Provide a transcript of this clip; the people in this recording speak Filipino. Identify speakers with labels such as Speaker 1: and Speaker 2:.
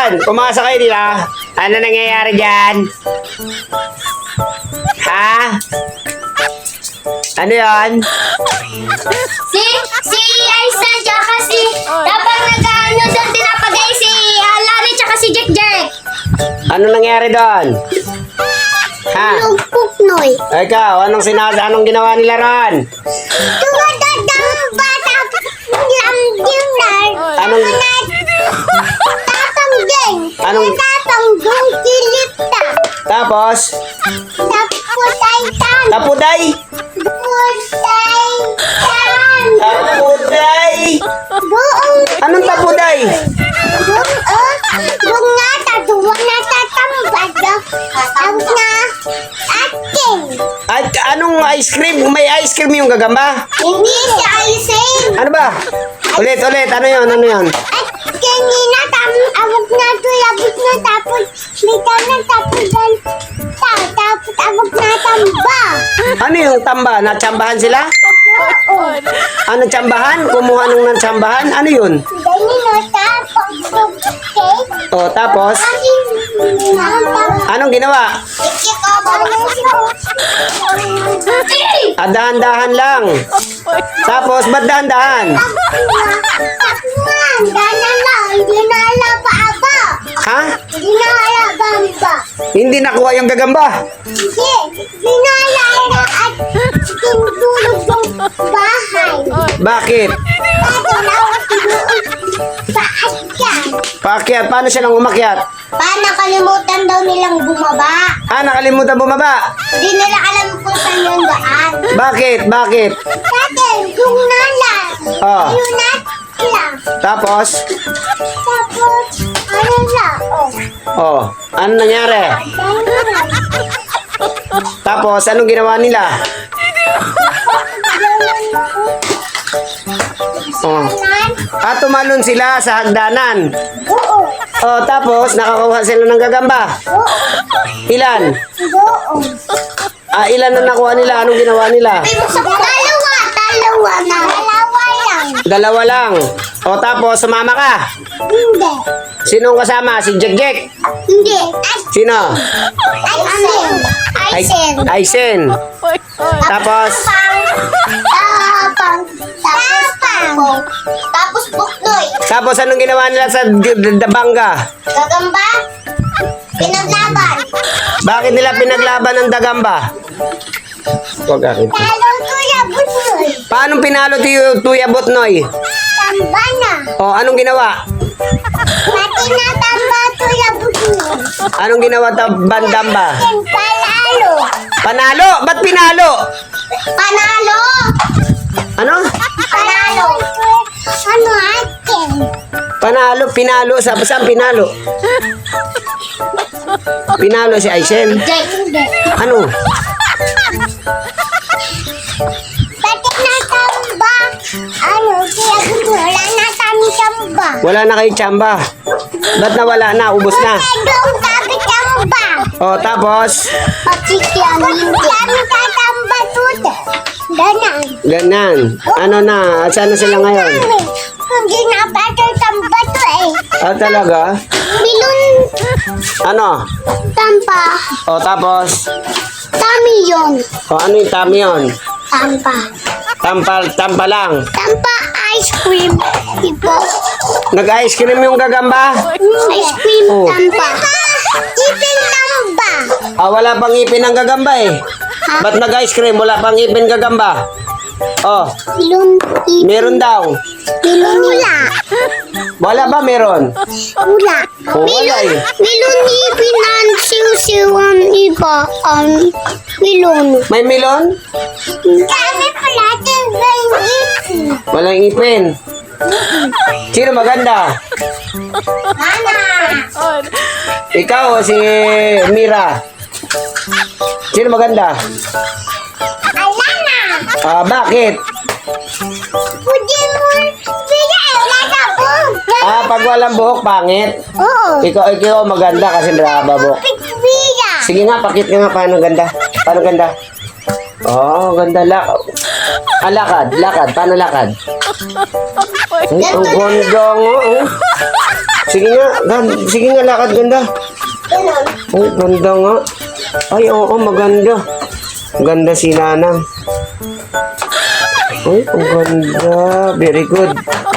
Speaker 1: dyan? Pumasok kayo dito. Ano nangyayari dyan? Ha? Ano yan?
Speaker 2: Si Aisa tsaka si dapat nag-ano doon tinapagay si Lani tsaka si Jack Jack.
Speaker 1: Ano nangyari doon? Ha?
Speaker 2: Yung puknoy.
Speaker 1: Ikaw, anong ginawa nila ron?
Speaker 2: Tumadadang bata lamdinar.
Speaker 1: Anong,
Speaker 2: Tatanggeng.
Speaker 1: Anong-
Speaker 2: Tatanggong kilipta.
Speaker 1: tapos?
Speaker 2: Tapos ay tan.
Speaker 1: Tapuday?
Speaker 2: Putay tan.
Speaker 1: Tapuday?
Speaker 2: Buong
Speaker 1: Anong tapuday?
Speaker 2: buong nga tatuwa na tatambad. Ang na ating.
Speaker 1: At anong ice cream? May ice cream yung gagamba?
Speaker 2: Hindi si Aising.
Speaker 1: Ano ba? Ulit. Ano yun?
Speaker 2: At kanina abog na to, abog na tapos bitaw na tapos dan tapos abog na tamba.
Speaker 1: Ano yung tamba? Natsambahan sila?
Speaker 2: Oo.
Speaker 1: Ano tsambahan? Kumuha nung natsambahan? Ano yun?
Speaker 2: Dani no tapos cake.
Speaker 1: O, tapos? Anong ginawa? Dahan-dahan lang. Tapos, ba't dahan-dahan? Ha? Hindi nakuha yung gagamba. Bakit? Paakyat. Paano siya nang umakyat?
Speaker 2: Nakalimutan daw nilang bumaba.
Speaker 1: Nakalimutan bumaba.
Speaker 2: Di nila alam kung saan yung daan.
Speaker 1: Bakit?
Speaker 2: Dati, yung nalan.
Speaker 1: Oh.
Speaker 2: Yung lang.
Speaker 1: Tapos?
Speaker 2: Tapos, ano lang? Oh.
Speaker 1: Ano nangyari? Tapos, anong ginawa nila? Tumalon sila sa hagdanan.
Speaker 2: Oo.
Speaker 1: Tapos, nakakuha sila ng gagamba.
Speaker 2: Oo.
Speaker 1: Ilan?
Speaker 2: Oo.
Speaker 1: Ilan na nakuha nila? Anong ginawa nila?
Speaker 2: Dalawa lang.
Speaker 1: Dalawa lang. Tapos, sumama ka.
Speaker 2: Hindi.
Speaker 1: Sinong kasama? Si Jack Jack?
Speaker 2: Hindi.
Speaker 1: Sino?
Speaker 2: Aisen.
Speaker 1: Aisen. Tapos?
Speaker 2: Tapos buknoy.
Speaker 1: Tapos, anong ginawa nila sa Dabanga?
Speaker 2: Gagamba. Pinaglaban.
Speaker 1: Bakit nila pinaglaban ng Dagamba? Huwag akin.
Speaker 2: Talo tuya buknoy.
Speaker 1: Paano pinalo Tuya Butnoy?
Speaker 2: Tamba na.
Speaker 1: Anong ginawa?
Speaker 2: Pati na tamba tuya buknoy.
Speaker 1: Anong ginawa Bandamba?
Speaker 2: Panalo.
Speaker 1: Panalo? Ba't pinalo?
Speaker 2: Panalo.
Speaker 1: Ano?
Speaker 2: Panalo. Ano atin?
Speaker 1: Panalo, pinalo. Saan pinalo? Pinalo si Aisen.
Speaker 2: Hindi.
Speaker 1: Ano?
Speaker 2: Pati na tamba. Ano, kaya wala na kami tamba.
Speaker 1: Wala na kayo tsamba. Ba't nawala na? Ubos na.
Speaker 2: Doon kami tamba.
Speaker 1: Tapos?
Speaker 2: Pati kami tatamba tuta. Danan.
Speaker 1: Ganan. Ano na? Saan na sila ngayon?
Speaker 2: Hindi na pati tamba to eh.
Speaker 1: Talaga?
Speaker 2: Milon
Speaker 1: Ano?
Speaker 2: tamba.
Speaker 1: Tapos?
Speaker 2: Tami yun.
Speaker 1: Ano yung tami yun?
Speaker 2: Tamba.
Speaker 1: Tampa lang.
Speaker 2: Tamba ice cream. Ipo.
Speaker 1: Nag-ice cream yung gagamba?
Speaker 2: Ice cream
Speaker 1: Oh.
Speaker 2: tamba. Ipin tamba.
Speaker 1: Wala pang ipin ang gagamba eh. Ba't nag-ice cream? Wala pang ipin gagamba.
Speaker 2: Milon ipin.
Speaker 1: Meron daw.
Speaker 2: Milon wala.
Speaker 1: Wala ba meron?
Speaker 2: Wala.
Speaker 1: Wala eh.
Speaker 2: Milon ipin ang siw-siwan iba. Milon.
Speaker 1: May melon?
Speaker 2: Kami pala yung ipin.
Speaker 1: Walang ipin. Sino maganda?
Speaker 2: Mana.
Speaker 1: Ikaw o si Mira? Sino maganda?
Speaker 2: Alana.
Speaker 1: Bakit?
Speaker 2: Pwede mo. Bigay. Wala ka po.
Speaker 1: Pag walang buhok, pangit.
Speaker 2: Oo.
Speaker 1: Ikaw maganda kasi mahaba buhok.
Speaker 2: Pigbiya.
Speaker 1: Sige nga, pakit ka nga paano ganda. Paano ganda? Ganda lang. Lakad, lakad. Paano lakad? Ay, ang ganda nga, oh. Sige nga, sige nga, lakad, ganda.
Speaker 2: Ganun.
Speaker 1: Ay, ganda nga. Ay, oo, maganda. Ganda si Nanang. Ay, ang ganda. Very good.